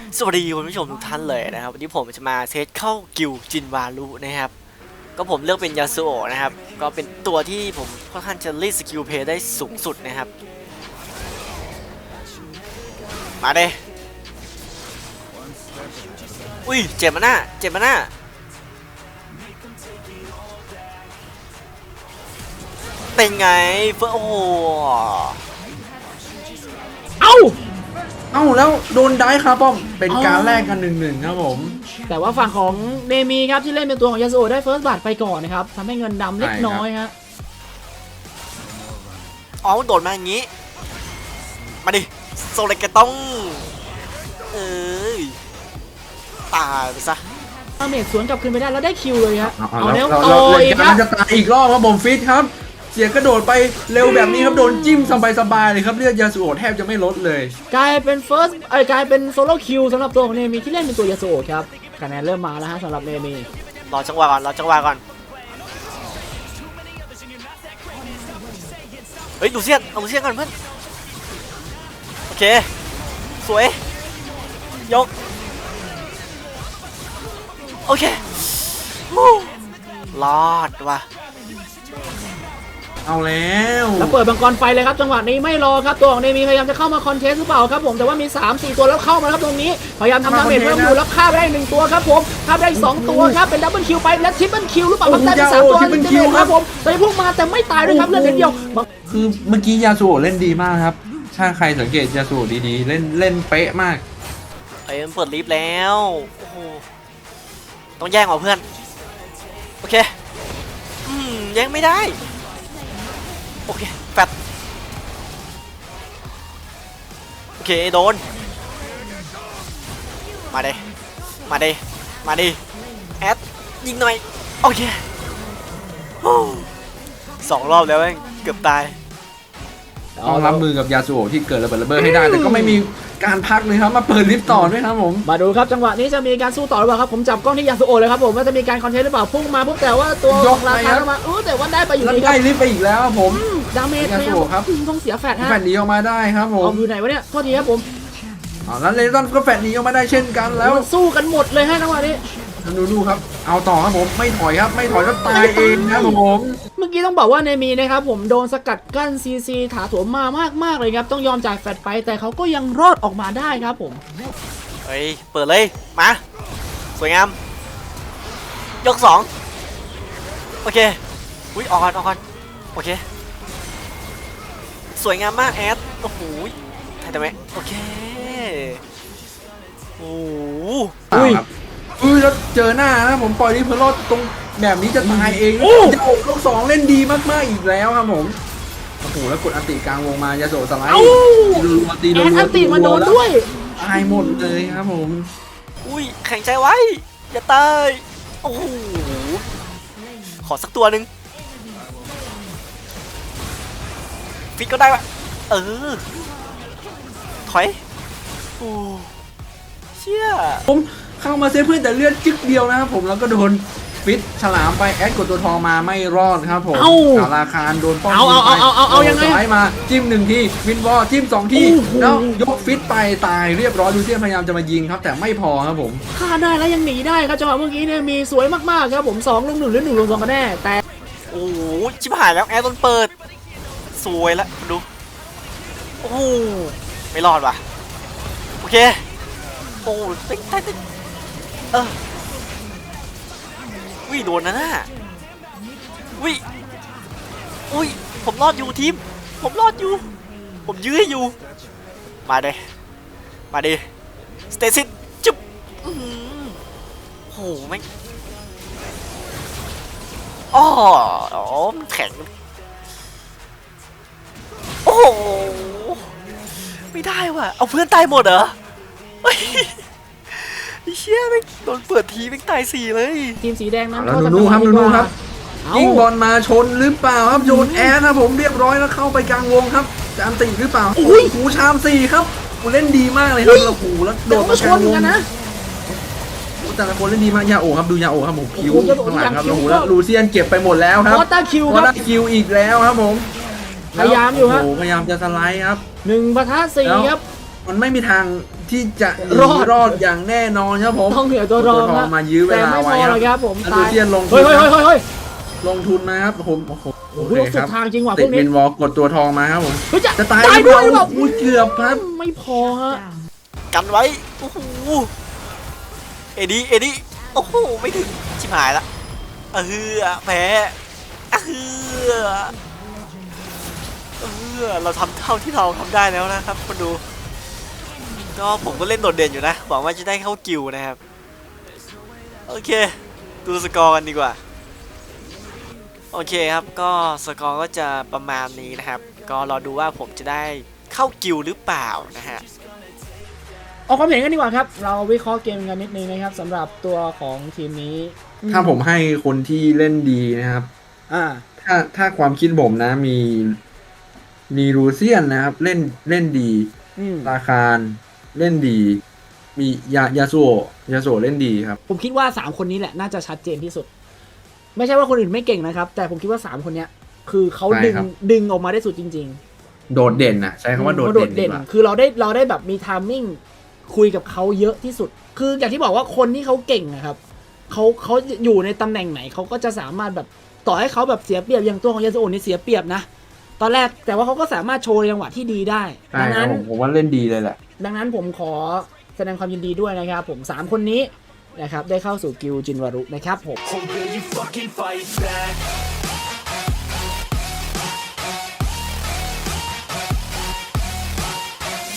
สวัสดีคุณผู้ชมทุกท่านเลยนะครับวันนี้ผมจะมาเซตเข้ากิลจินวารุนะครับก็ผมเลือกเป็นยาสุโอะนะครับก็เป็นตัวที่ผมค่อนข้างจะรีดสกิลเพย์ได้สูงสุดนะครับมาเด้อุ้ยเจ็บมาหน้าเจ็บมาหน้าเป็นไงเฟอร์โอ้โหเอ้าแล้วโดนได้ครับป้อมเป็นการแลกกัน1-1ครับผมแต่ว่าฝั่งของเนมีครับที่เล่นเป็นตัวของยาสุโอะได้เฟิร์สบัตไปก่อนนะครับทำให้เงินดำเล็กน้อยฮะอ๋อโดดมาอย่างงี้มาดิโซเลกต้องตายไปซะเมจสวนกลับคืนไปได้แล้วได้คิวเลยฮะเอาแล้วเราจะตายอีกรอบครับผมฟิตครับเสียกระโดดไปเร็วแบบนี้ครับโดนจิ้มสบายๆเลยครับเลือดยาสุโอะแทบจะไม่ลดเลยกลายเป็นกลายเป็นโซโล่คิวสำหรับตัวของเนมีที่เล่นเป็นตัวยาสุโอะครับคะแนนเริ่มมาแล้วฮะสำหรับเนมีรอจังหวะก่อนเฮ้ยดูเซียนเอาดูเซียนก่อนเพื่อนโอเคสวยยกโอเครอดว่ะเอาแล้วเปิดบังกรไฟเลยครับจังหวะนี้ไม่รอครับตัวของเนมีพยายามจะเข้ามาคอนเทสหรือเปล่าครับผมแต่ว่ามี 3-4 ตัวแล้วเข้ามาครับตรงนี้พยายามทำดาเมจเพิ่มอยู่แล้วฆ่าไปได้1ตัวครับผมฆ่าได้2ตัวครับเป็นดับเบิลคิวไปและทริปเปิลคิวหรือเปล่าครับได้ไป3ตัวครับผมตอนนี้พุ่งมาแต่ไม่ตายด้วยครับเลือดเดียวคือเมื่อกี้ยาสุโอะเล่นดีมากครับถ้าใครสังเกตยาสุโอะดีๆเล่นเป๊ะมากมันเปิดลิฟต์แล้วโอ้โหต้องแย่งเหรอเพื่อนโอเคแย่งไม่ได้โอเคแฟตโอเคโดนมาดิแอดยิงหน่อยโอเค2 รอบแล้วเองเกือบตายต้องรับมือกับยาสุโอะที่เกิดระเบิดให้ได้แต่ก็ไม่มีการพักเลยครับมาเปิดลิฟต์ต่อด้วยครับผมมาดูครับจังหวะนี้จะมีการสู้ต่อหรือเปล่าครับผมจับกล้องที่ยาสุโอะเลยครับผมว่าจะมีการคอนเทนต์หรือเปล่าพุ่งมาปุ๊บแต่ว่าตัวยกราคามาแต่ว่าได้ไปอยู่ดีครับได้ลิฟต์ไปอีกแล้วผมดาเมจครับต้องเสียแฟตฮะแฟตหนีออกมาได้ครับผมอยู่ไหนวะเนี่ยโทษทีครับผมแล้วเลตันก็แฟตหนีออกมาได้เช่นกันแล้วสู้กันหมดเลยฮะจังหวะนี้ดูครับเอาต่อครับผมไม่ถอยครับไม่ถอยก็ตายเองนะผมเมื่อกี้ต้องบอกว่าในมีนะครับผมโดนสกัดกั้นซีถาโถมมากเลยครับต้องยอมจ่ายแฟตไปแต่เขาก็ยังรอดออกมาได้ครับผมเฮ้ยเปิดเลยมาสวยงามยก2โอเคอุ้ยออนโอเคสวยงามมากแอดโอ้โหได้ไหมโอเคโอ้โหแล้วเจอหน้านะผมปล่อยลิฟต์รอดตรงแบบนี้จะตายเองยาโอะลูก2เล่นดีมากๆอีกแล้วครับผมโอ้โหแล้วกดอันติกลางวงมายาโอะสไลด์ตีอันติมาโดนด้วยตายหมดเลยครับผมอุ้ยแข็งใจไว้อย่าตายโอ้โหขอสักตัวหนึ่งฟิกก็ได้วะถอยโอ้เชี่ยผมเข้ามาเซฟเพื่อนแต่เลือดจึ๊กเดียวนะครับผมแล้วก็โดนฟิตฉลามไปแอดกดตัวทองมาไม่รอดครับผมราคาโดนป้องเอายังไงสไลด์มาจิ้ม1ทีวินวอลจิ้ม2ทีแล้วยกฟิตไปตายเรียบร้อยดูเซียนพยายามจะมายิงครับแต่ไม่พอครับผมฆ่าได้แล้วยังหนีได้ครับจังหวะเมื่อกี้เนี่ยมีสวยมากๆครับผม2-1หรือ1-2กันแน่แต่โอ้โหชิบหายแล้วแอดต้นเปิดสวยแล้วดูโอ้ไม่รอดว่ะโอเคโอ้ติ๊งวิโดนนะน่ะวิผมรอดอยู่ทีมผมรอดอยู่ผมยื้อให้อยู่มาดิสเตซิสจุ๊บโอ้แม่งอ๋อมันแข็งโอ้ไม่ได้ว่ะเอาเพื่อนตายหมดเหรอเชี่ยแม่งโดนเปิดทีแม่งตาย4เลยทีมสีแดงนั้นแล้วดูครับยิงบอลมาชนหรือเปล่าครับโยนแอร์นะผมเรียบร้อยแล้วเข้าไปกลางวงครับจะอันติหรือเปล่าหูชาม4ครับเล่นดีมากเลยครับแล้วหูแล้วโดดมาชนกันนะแต่ละคนเล่นดีมากยาโอะครับดูยาโอะครับผมคิวข้างหลังครับแล้วลูเซียนเก็บไปหมดแล้วครับวอเตอร์คิวอีกแล้วครับผมพยายามอยู่ครับพยายามจะสไลด์ครับ 1-4ครับมันไม่มีทางที่จะหนีรอดรอดอย่างแน่นอนครับผมต้องเหนือตัวรองทนะมายื้อเวแต่ลาไม่พไว้อคหรรัอบ กครับผมอันดูเทียนลงทุเฮ้นยเฮ้ยนะเฮ้ยเฮ้ยลงทุนมาครับผมโอ้โหโอ้โหสุดทางจริงว่ะพติวดกนี้วินวอลกดตัวทองมาครับผมเฮ้ยจะตายด้วยแบบอุ้ยเกือบครับไม่พอฮะกันไว้ โอ้โห เอ็ดดี้โอ้โห ไม่ถึง ชิบหายละแพ้เราทำเท่าที่เราทำได้แล้วนะครับคนดู ก็ผมก็เล่นโดดเด่นอยู่นะ หวังว่าจะได้เข้ากิลด์นะครับ โอเค ดูสกอร์กันดีกว่า โอเคครับ ก็สกอร์ก็จะประมาณนี้นะครับ ก็รอดูว่าผมจะได้เข้ากิลด์หรือเปล่านะฮะเอาความเห็นกันดีกว่าครับ เราวิเคราะห์เกมกันนิดนึงนะครับสำหรับตัวของทีมนี้ถ้าผมให้คนที่เล่นดีนะครับอ่าถ้าความคิดผมนะมีรูเซียนนะครับเล่นดีอืมราคารเล่นดี มียาโซเล่นดีครับผมคิดว่า3คนนี้แหละน่าจะชัดเจนที่สุด ไม่ใช่ว่าคนอื่นไม่เก่งนะครับ แต่ผมคิดว่า3คนเนี้ยคือเขาใช่ครับดึงออกมาได้สุดจริงโดดเด่นนะใช้คำว่าโดดเด่นดีกว่าคือเราได้แบบมีไทมิ่งคุยกับเขาเยอะที่สุด คืออย่างที่บอกว่าคนที่เขาเก่งนะครับเขาอยู่ในตำแหน่งไหนเขาก็จะสามารถแบบต่อให้เขาแบบเสียเปรียบอย่างตัวของยาสุโอะนี่เสียเปรียบนะตอนแรกแต่ว่าเขาก็สามารถโชว์ในจังหวะที่ดีได้ใช่ดังครันั้บนผมว่าเล่นดีเลยแหละดังนั้นผมขอแสดงความยินดีด้วยนะครับผม3คนนี้นะครับได้เข้าสู่กิลด์จินวารุนะครับผม Or will you fucking fight back?